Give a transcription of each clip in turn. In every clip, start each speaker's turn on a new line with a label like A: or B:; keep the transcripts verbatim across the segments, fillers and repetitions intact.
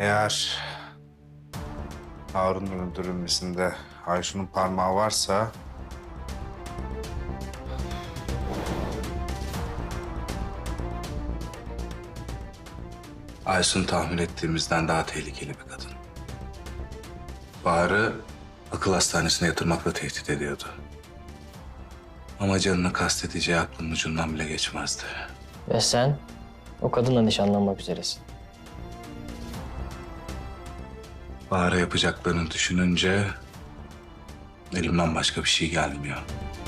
A: Eğer Harun'un öldürülmesinde Ayşun'un parmağı varsa... Aysun tahmin ettiğimizden daha tehlikeli bir kadın. Bahar'ı akıl hastanesine yatırmakla tehdit ediyordu. Ama canını kastedeceği aklının ucundan bile geçmezdi.
B: Ve sen o kadınla nişanlanmak üzeresin.
A: Bahar'a yapacaklarını düşününce elimden başka bir şey gelmiyor.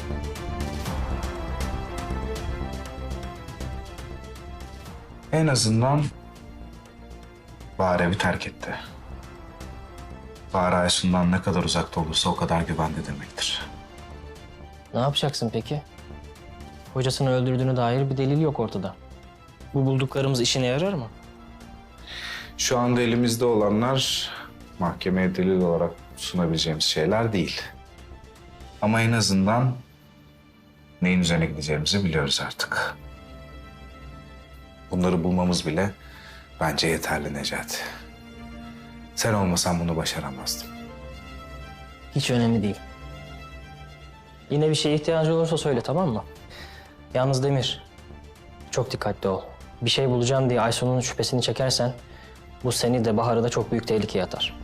A: En azından Bahar evi terk etti. Bahar Aysun'dan ne kadar uzakta olursa o kadar güvende demektir.
B: Ne yapacaksın peki? Hocasını öldürdüğüne dair bir delil yok ortada. Bu bulduklarımız işine yarar mı?
A: Şu anda elimizde olanlar mahkemeye delil olarak sunabileceğimiz şeyler değil. Ama en azından neyin üzerine gideceğimizi biliyoruz artık. Bunları bulmamız bile bence yeterli Necati. Sen olmasan bunu başaramazdım.
B: Hiç önemli değil. Yine bir şeye ihtiyacı olursa söyle, tamam mı? Yalnız Demir, çok dikkatli ol. Bir şey bulacağım diye Aysun'un şüphesini çekersen bu seni de Bahar'ı da çok büyük tehlikeye atar.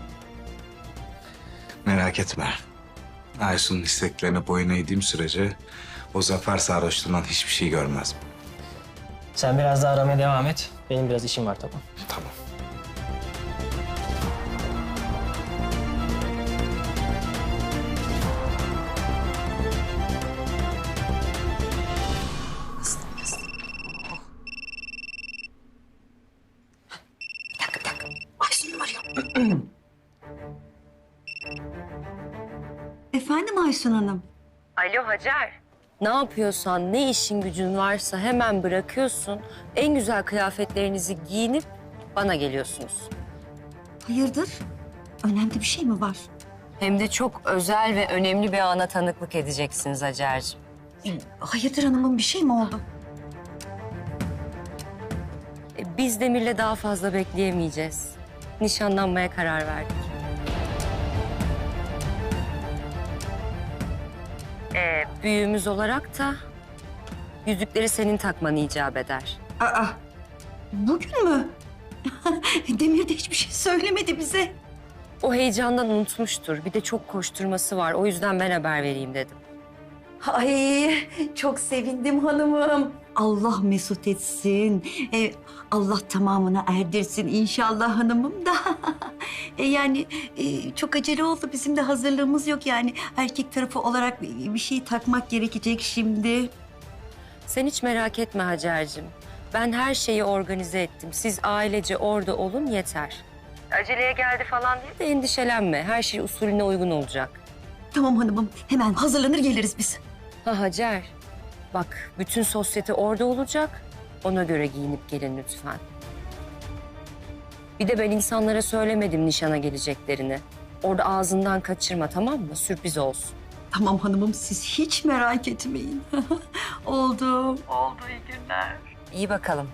A: Merak etme. Aysun'un isteklerine boyun eğdiğim sürece o zafer sarhoşluğundan hiçbir şey görmez.
B: Sen biraz daha aramaya devam et. Benim biraz işim var, tamam.
A: Tamam.
C: Aysun arıyor. Efendim Aysun Hanım?
D: Alo Hacer. Ne yapıyorsan, ne işin gücün varsa hemen bırakıyorsun. En güzel kıyafetlerinizi giyinip bana geliyorsunuz.
C: Hayırdır? Önemli bir şey mi var?
D: Hem de çok özel ve önemli bir ana tanıklık edeceksiniz Hacer'cığım.
C: Hayırdır hanımın, bir şey mi oldu?
D: E, Biz Demir'le daha fazla bekleyemeyeceğiz. Nişanlanmaya karar verdik. Ee, büyüğümüz olarak da yüzükleri senin takman icap eder.
C: Aa, bugün mü? Demir de hiçbir şey söylemedi bize.
D: O heyecandan unutmuştur. Bir de çok koşturması var. O yüzden ben haber vereyim dedim.
C: Ay çok sevindim hanımım. Allah mesut etsin. Ee, Allah tamamına erdirsin inşallah hanımım da. e, yani e, çok acele oldu. Bizim de hazırlığımız yok yani. Erkek tarafı olarak bir şey takmak gerekecek şimdi.
D: Sen hiç merak etme Hacer'cim. Ben her şeyi organize ettim. Siz ailece orada olun yeter. Aceleye geldi falan diye de endişelenme. Her şey usulüne uygun olacak.
C: Tamam hanımım, hemen hazırlanır geliriz biz.
D: Ha Hacer, bak bütün sosyete orada olacak. Ona göre giyinip gelin lütfen. Bir de ben insanlara söylemedim nişana geleceklerini. Orada ağzından kaçırma, tamam mı? Sürpriz olsun.
C: Tamam hanımım, siz hiç merak etmeyin. Oldu. Oldu, iyi günler.
D: İyi bakalım.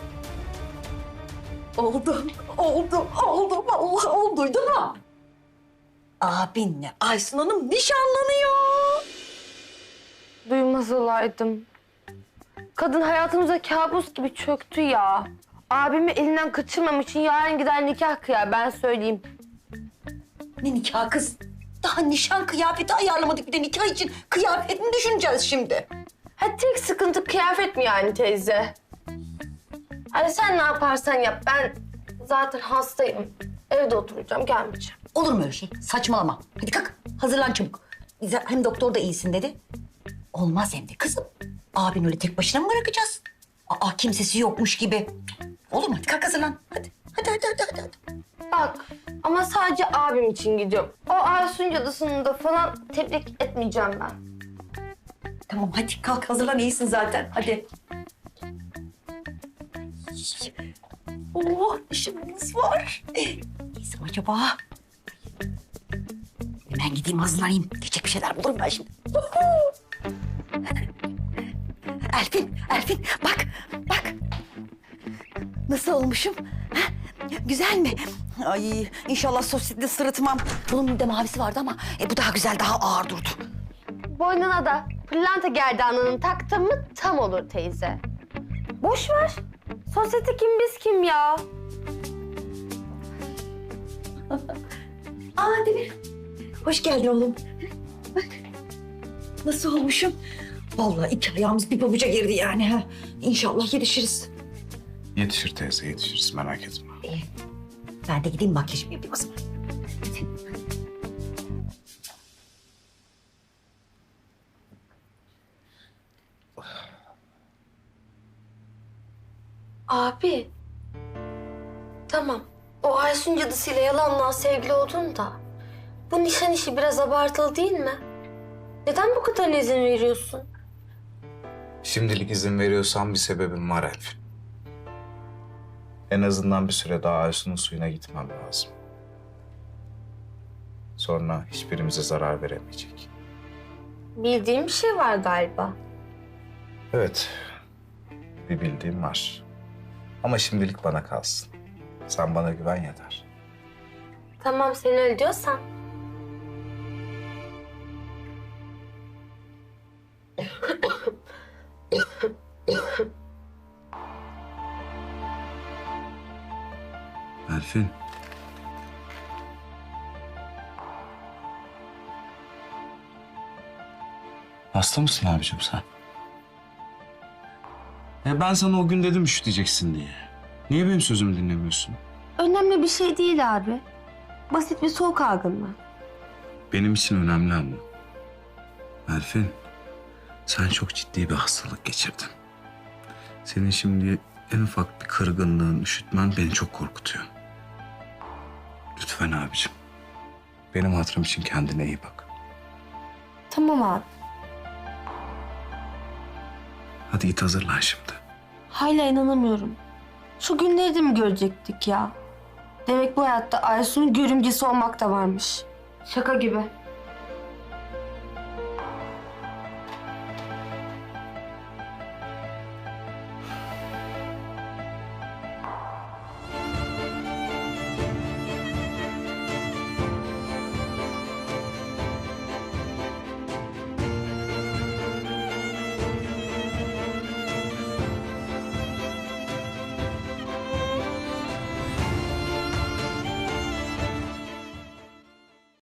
C: Oldu, oldu, oldu. Vallahi oldu, duydun mu? Abinle Aysun Hanım nişanlanıyor.
E: Duymaz olaydım. Kadın hayatımıza kabus gibi çöktü ya. Abimi elinden kaçırmam için yarın gider nikah kıyar, ben söyleyeyim.
C: Ne nikah kız? Daha nişan kıyafeti ayarlamadık, bir de nikah için kıyafet mi düşüneceğiz şimdi?
E: Ha, tek sıkıntı kıyafet mi yani teyze? Hadi sen ne yaparsan yap, ben zaten hastayım. Evde oturacağım, gelmeyeceğim.
C: Olur mu öyle şey? Saçmalama. Hadi kalk, hazırlan çabuk. Bize hem doktor da iyisin dedi. Olmaz hem de kızım. Abin öyle tek başına mı bırakacağız? Aa, kimsesi yokmuş gibi. Olur mu? Hadi kalk hazırlan. Hadi, hadi, hadi, hadi, hadi. hadi.
E: Bak, ama sadece abim için gidiyorum. O Aysun cadısını da falan tebrik etmeyeceğim ben.
C: Tamam hadi kalk hazırlan, iyisin zaten. Hadi. Oh, işimiz var. Neyse acaba? Hemen gideyim hazırlanayım. Diyecek bir şeyler bulurum ben şimdi. Elfin, Elfin bak, bak. Nasıl olmuşum? Ha? Güzel mi? Ay inşallah sosisli sırıtmam. Bunun bir de mavisi vardı ama e, bu daha güzel, daha ağır durdu.
E: Boynuna da pırlanta gerdanlığını taktın mı tam olur teyze. Boş ver. Sosyete kim biz kim ya?
C: Aa Demir. Hoş geldin oğlum. Bak. Nasıl olmuşum? Vallahi iki ayağımız bir pabuca girdi yani. Ha. İnşallah yetişiriz.
A: Yetişir teyze, yetişiriz, merak etme.
C: İyi. Ben de gideyim makyajımı yapayım o zaman.
E: Abi. Tamam. O Aysun cadısıyla yalanla sevgili oldun da. Bu nişan işi biraz abartılı değil mi? Neden bu kadar izin veriyorsun?
A: Şimdilik izin veriyorsan bir sebebim var Elfin. En azından bir süre daha Aysun'un suyuna gitmem lazım. Sonra hiçbirimize zarar veremeyecek.
E: Bildiğim bir şey var galiba.
A: Evet, bir bildiğim var. Ama şimdilik bana kalsın. Sen bana güven yeter.
E: Tamam sen öyle diyorsan.
A: Elfin. Hasta mısın abicim sen? Ya ben sana o gün dedim üşüteceksin diye. Niye benim sözümü dinlemiyorsun?
E: Önemli bir şey değil abi. Basit bir soğuk algınlığı.
A: Benim için önemli ama. Elfin, sen çok ciddi bir hastalık geçirdin. Senin şimdi en ufak bir kırgınlığın, üşütmen beni çok korkutuyor. Lütfen abicim. Benim hatırım için kendine iyi bak.
E: Tamam abi.
A: Hadi git hazırlan şimdi.
E: Hala inanamıyorum. Şu günleri de mi görecektik ya? Demek bu hayatta Aysun'un görümcesi olmak da varmış. Şaka gibi.